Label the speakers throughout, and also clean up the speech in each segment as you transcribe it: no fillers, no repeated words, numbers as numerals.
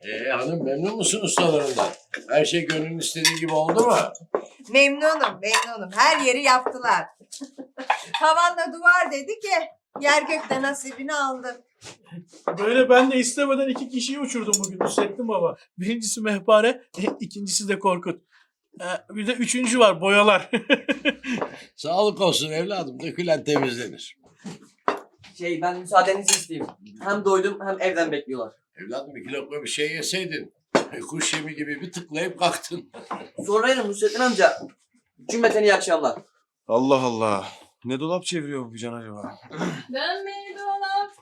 Speaker 1: Hanım memnun musun ustalarından? Her şey gönlün istediği gibi oldu mu?
Speaker 2: Memnunum. Her yeri yaptılar. Tavanla duvar dedi ki yer gökte nasibini aldı.
Speaker 3: Böyle ben de istemeden 2 kişiyi uçurdum bugün Hüsettin Baba. Birincisi Mehpare, ikincisi de Korkut. Bir de üçüncü var, boyalar.
Speaker 1: Sağlık olsun evladım. Dökülen temizlenir.
Speaker 4: Ben müsaadenizi isteyeyim. Hem doydum hem evden bekliyorlar.
Speaker 1: Evladım 2 lokma bir şey yeseydin. Kuş yemi gibi bir tıklayıp kalktın.
Speaker 4: Sonra yerim Hüsettin amca. Cümleten iyi akşamlar.
Speaker 5: Allah Allah. Ne dolap çeviriyor bu can acaba?
Speaker 6: Dönme dolap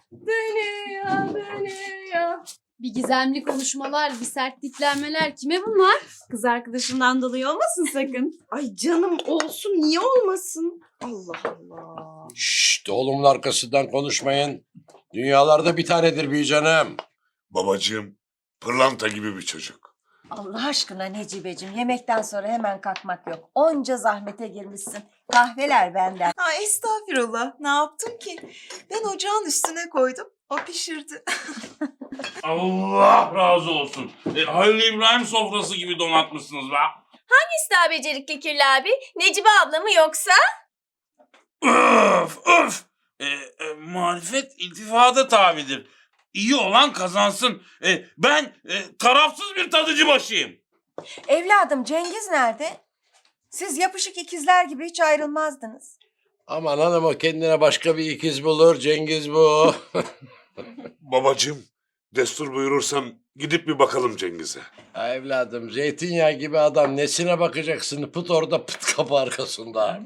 Speaker 6: dönüyor. Bir gizemli konuşmalar, bir sert diklenmeler. Kime bunlar?
Speaker 7: Kız arkadaşından dolayı olmasın sakın. Ay canım olsun, niye olmasın? Allah Allah.
Speaker 1: Şşt oğlumun arkasından konuşmayın. Dünyalarda bir tanedir bir canım.
Speaker 8: Babacığım, pırlanta gibi bir çocuk.
Speaker 2: Allah aşkına Necibeciğim yemekten sonra hemen kalkmak yok. Onca zahmete girmişsin. Kahveler benden.
Speaker 7: Ha estağfirullah. Ne yaptım ki? Ben ocağın üstüne koydum. O pişirdi.
Speaker 9: Allah razı olsun. Halil İbrahim sofrası gibi donatmışsınız be.
Speaker 6: Hangisi daha becerikli Kirli abi? Necibe abla mı yoksa?
Speaker 9: Öf. Marifet iltifada tabidir. İyi olan kazansın. Ben tarafsız bir tadıcı başıyım.
Speaker 2: Evladım Cengiz nerede? Siz yapışık ikizler gibi hiç ayrılmazdınız.
Speaker 1: Aman hanım o kendine başka bir ikiz bulur. Cengiz bu.
Speaker 8: Babacığım, destur buyurursan gidip bir bakalım Cengiz'e.
Speaker 1: Ha evladım zeytinyağı gibi adam nesine bakacaksın? Pıt orada pıt kapı arkasında.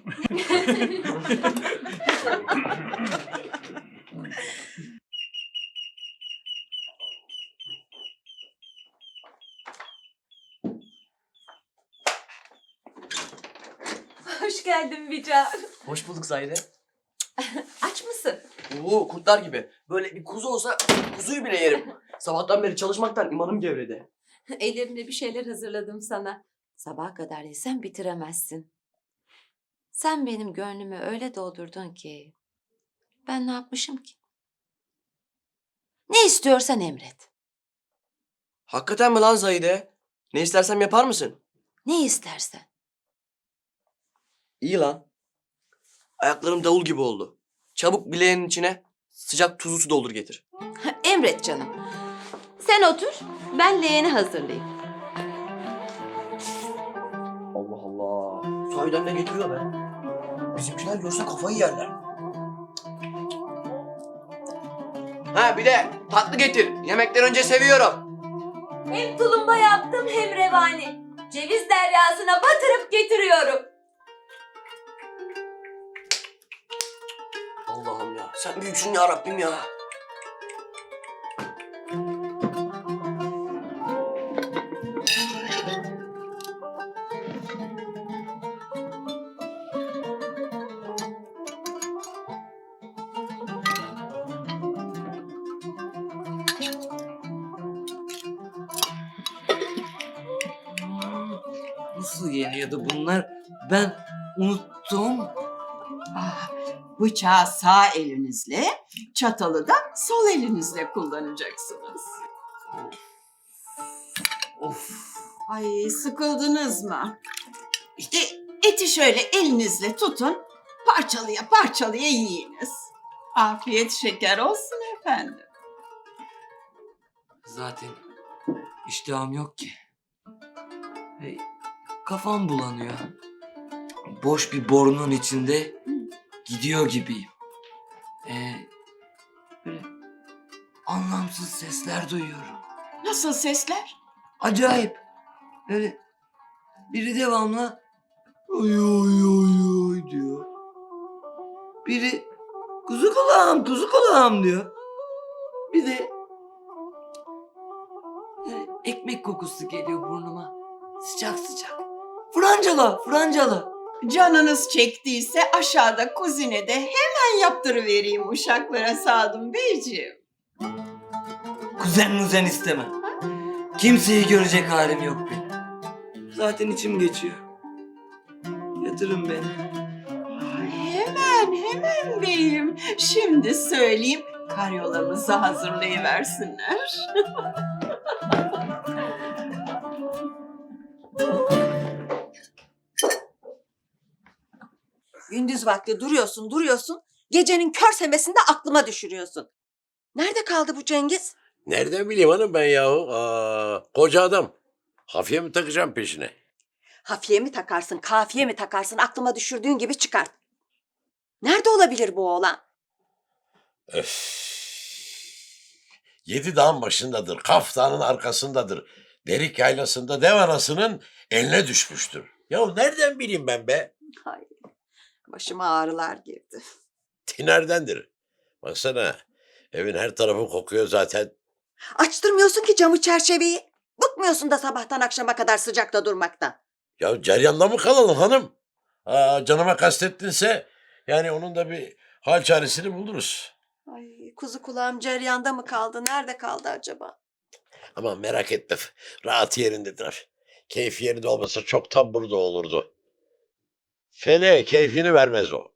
Speaker 7: Hoş geldin Bica.
Speaker 4: Hoş bulduk Zahide.
Speaker 7: Aç mısın?
Speaker 4: Oo, kurtlar gibi. Böyle bir kuzu olsa kuzuyu bile yerim. Sabahtan beri çalışmaktan imanım gevredi.
Speaker 7: Ellerimle bir şeyler hazırladım sana. Sabaha kadar yesen bitiremezsin. Sen benim gönlümü öyle doldurdun ki. Ben ne yapmışım ki? Ne istiyorsan emret.
Speaker 4: Hakikaten mi lan Zahide? Ne istersem yapar mısın?
Speaker 7: Ne istersen.
Speaker 4: İyi lan. Ayaklarım davul gibi oldu. Çabuk bileğinin içine sıcak tuzlu su doldur getir.
Speaker 7: Emret canım. Sen otur, ben leğeni hazırlayayım.
Speaker 4: Allah Allah. Sahiden ne getiriyor be? Bizimkiler görse kafayı yerler. Ha bir de tatlı getir. Yemekten önce seviyorum.
Speaker 6: Hem tulumba yaptım hem revani. Ceviz deryasına batırıp getiriyorum.
Speaker 4: Allah'ım ya. Sen büyüksün ya Rabbim ya. Nasıl yeniyordu bunlar? Ben unuttum.
Speaker 10: Bıçağı sağ elinizle, çatalı da sol elinizle kullanacaksınız.
Speaker 4: Of.
Speaker 10: Ay sıkıldınız mı? İşte eti şöyle elinizle tutun, parçalıya parçalıya yiyiniz. Afiyet şeker olsun efendim.
Speaker 4: Zaten iştahım yok ki. Kafam bulanıyor. Boş bir borunun içinde gidiyor gibiyim. Böyle anlamsız sesler duyuyorum.
Speaker 10: Nasıl sesler?
Speaker 4: Acayip. Böyle biri devamlı oy oy oy oy diyor. Biri kuzu kulağım diyor. Bir de ekmek kokusu geliyor burnuma. Sıcak sıcak. Francalı.
Speaker 10: Canınız çektiyse aşağıda kuzinede hemen yaptırıvereyim uşaklara Sadım Beyciğim.
Speaker 4: Kuzen istemem. Kimseyi görecek halim yok benim. Zaten içim geçiyor. Yatırın beni.
Speaker 10: Hemen beyim. Şimdi söyleyeyim, karyolamızı hazırlayıversinler.
Speaker 2: Gündüz vakti duruyorsun. Gecenin kör semesinde aklıma düşürüyorsun. Nerede kaldı bu Cengiz?
Speaker 1: Nereden bileyim hanım ben yahu? Koca adam. Hafiye mi takacağım peşine?
Speaker 2: Hafiye mi takarsın, kafiye mi takarsın aklıma düşürdüğün gibi çıkart. Nerede olabilir bu oğlan?
Speaker 1: Öf. 7 dağın başındadır. Kaf Dağı'nın arkasındadır. Derik yaylasında dev anasının eline düşmüştür. Ya nereden bileyim ben be?
Speaker 2: Ay, başıma ağrılar girdi.
Speaker 1: Tinerdendir. Baksana evin her tarafı kokuyor zaten.
Speaker 2: Açtırmıyorsun ki camı çerçeveyi. Bıkmıyorsun da sabahtan akşama kadar sıcakta durmaktan.
Speaker 1: Ya ceryanda mı kalalım hanım? Canıma kastettinse yani onun da bir hal çaresini buluruz.
Speaker 2: Ay, kuzu kulağım ceryanda mı kaldı? Nerede kaldı acaba?
Speaker 1: Ama merak etme. Rahat yerindedir. Keyfi yerinde olmasa çoktan burada olurdu. Fene keyfini vermez o.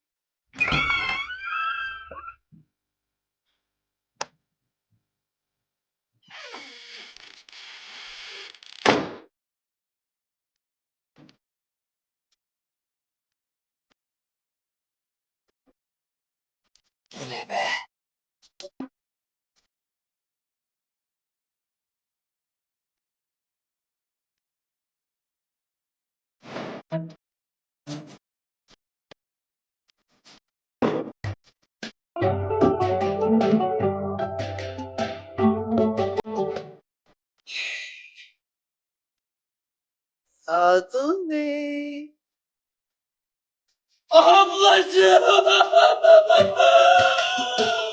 Speaker 1: Bu ne be?
Speaker 4: Adın ne?
Speaker 9: Ablacığım!